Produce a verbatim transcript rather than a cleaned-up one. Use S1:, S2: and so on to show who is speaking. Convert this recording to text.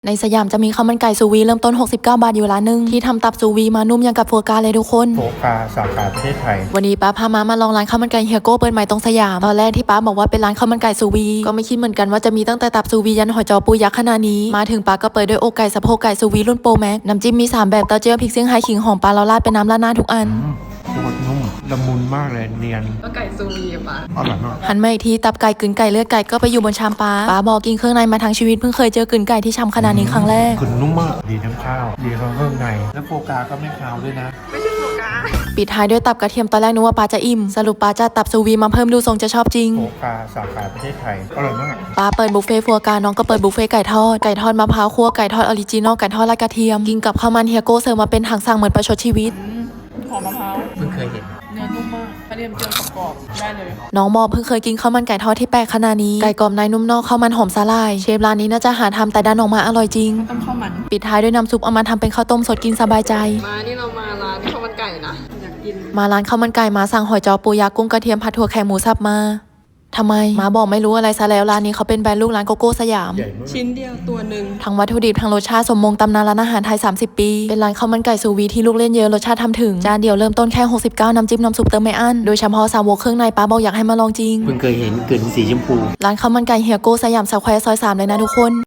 S1: ในสยามจะมีข้าวมันไก่ซูวีเริ่มต้นหกสิบเก้าบาทอยู่ร้านนึงที่ทำตับซูวีมานุ่มอย่างกับโฟกาเลยทุกคน
S2: โฟกาสาขาประเทศไทย
S1: วันนี้ป้าพามามาลองร้านข้าวมันไก่เฮียโก้เปิดใหม่ตรงสยามตอนแรกที่ป้าบอกว่าเป็นร้านข้าวมันไก่ซูวีก็ไม่คิดเหมือนกันว่าจะมีตั้งแต่ตับซูวียันหอยจอปูยักษ์ขนาดนี้มาถึงป้าก็เปิดด้วยอกไก่สะโพกไก่ซูวีรุ่นโปรแม็กน้ำจิ้มมีสามแบบเต้าเจี้ยวพริกเซี่ยงไฮ้ขิงหอมปลาเราราดเป็นน้ำราดหน้าทุกอัน
S2: โคตรนุ่มละมุนมากเลยเนียน
S3: ก็ไก่ซูวีปะ
S2: อร่อยมาก
S1: หันมาอีกทีตับไก่กลืนไก่เลือดไก่ก็ไปอยู่บนชามป้าป้าบอกกินเครื่องในมาทั้งชีวิตเพิ่งเคยเจอกลืนไก่ที่ช้ำขนาดนี้ครั้งแรก
S2: กลืนนุ่มมากดีทั้งข้าวดีทั้งเครื่องในแล้วโฟกาก็ไม่คาวด้วยนะ
S3: ไม่ใช่โฟกา
S1: ปิดท้ายด้วยตับกระเทียมตอนแรกนึกว่าป้าจะอิ่มสรุปป้าจะตับซูวีมาเพิ่มดูทรงจะชอบจริง
S2: โฟกาสาขาประเทศไทยอร่อยมาก
S1: ป้าเปิดบุฟเฟ่ฟัวกาน้องก็เปิดบุฟเฟ่ไก่ทอดไก่ทอดมะพร้าวคั่วไก่ทอดออริจินอลไก่ทอดราดกระเทียมกินกับข้าวมันเฮียโก้เสิร์ฟมาเป็นถังสั่งเหมือนประชดชีวิต
S3: หอมมะพร้าว
S2: เพิ่งเคยเห็น
S3: เนื้อนุ่มมากกระเทียมเจียวกรอบๆได้เลย
S1: น้องบอกเพิ่งเคยกินข้าวมันไก่ทอดที่แปลกขนาดนี้ไก่กรอบในนุ่มนอกข้าวมันหอมสาลายเชฟร้านนี้น่าจะหาทำแต่ดันออกมาอร่อยจริง
S3: ต้มข้าวมัน
S1: ปิดท้ายด้วยน้ำซุปเอามาทำเป็นข้าวต้มสดกินสบายใจ
S3: มานี่เรามาร้านข้าวมันไก่นะอยากกิน
S1: มาร้านข้าวมันไก่มาสั่งหอยจอปูยักษ์กุ้งกระเทียมผัดถั่วแขกหมูสับมาทำไมมาบอกไม่รู้อะไรซะแล้วร้านนี้เขาเป็นแบรนด์ลูกร้านโกโก้สยาม
S3: ชิ้นเดียวตัวหนึ่ง
S1: ทั้งวัตถุดิบทั้งรสชาติสมมงตำนานร้านอาหารไทยสามสิบปีเป็นร้านข้าวมันไก่ซูวีที่ลูกเล่นเยอะรสชาติทำถึงจานเดียวเริ่มต้นแค่หกสิบเก้าน้ำจิ้มน้ำซุปเติมไม่อั้นโดยเฉพาะสาวกเครื่องในป้าบอกอยากให้มาลองจริง
S2: เพิ่งเคยเห็นกลืนสีชมพู
S1: ร้านข้าวมันไก่เฮียโก้สยามสแควร์ซอยสามเลยนะทุกคน